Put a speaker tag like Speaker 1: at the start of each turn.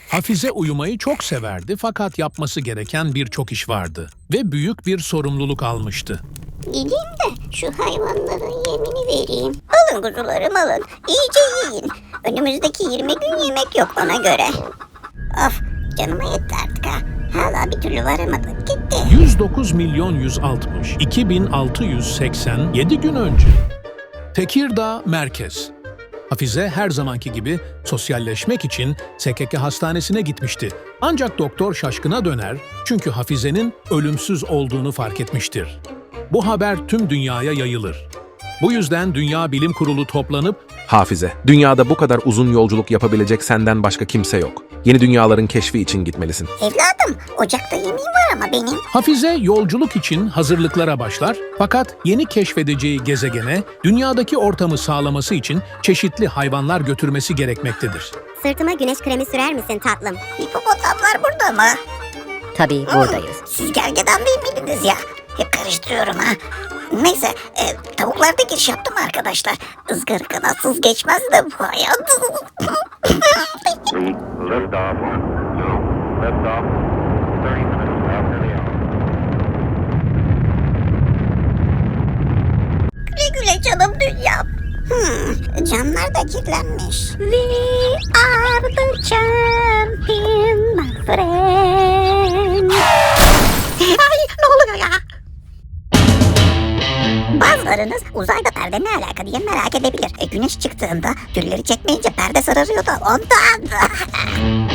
Speaker 1: Hafize uyumayı çok severdi fakat yapması gereken birçok iş vardı ve büyük bir sorumluluk almıştı.
Speaker 2: Gideyim de şu hayvanların yemini vereyim. Alın kuzularım alın. İyice yiyin. Önümüzdeki 20 gün yemek yok ona göre. Of canıma yetti artık ha. Hala bir türlü varamadık gitti.
Speaker 1: 109 milyon 160 2687 gün önce. Tekirdağ Merkez. Hafize her zamanki gibi sosyalleşmek için SKK hastanesine gitmişti. Ancak doktor şaşkına döner çünkü Hafize'nin ölümsüz olduğunu fark etmiştir. Bu haber tüm dünyaya yayılır. Bu yüzden Dünya Bilim Kurulu toplanıp
Speaker 3: Hafize, dünyada bu kadar uzun yolculuk yapabilecek senden başka kimse yok. Yeni dünyaların keşfi için gitmelisin.
Speaker 2: Evladım ocakta yemeğim var ama benim.
Speaker 1: Hafize yolculuk için hazırlıklara başlar fakat yeni keşfedeceği gezegene dünyadaki ortamı sağlaması için çeşitli hayvanlar götürmesi gerekmektedir.
Speaker 4: Sırtıma güneş kremi sürer misin tatlım?
Speaker 2: Hipopotamlar burada mı?
Speaker 4: Tabii buradayız.
Speaker 2: Siz gergedan değil miydiniz ya? Hep karıştırıyorum ha. Neyse tavuklar da giriş yaptım arkadaşlar. Izgara kanatsız geçmez de bu hayat.
Speaker 5: Lift off. Lift off. 30 minutes after the hour.
Speaker 2: Güle güle canım dünyam. Camlar da kirlenmiş. We are the champion my friend. Ay ne oluyor ya? Bazılarınız uzayda perde ne alaka diye merak edebilir. Güneş çıktığında gülleri çekmeyince perde sararıyor da ondan.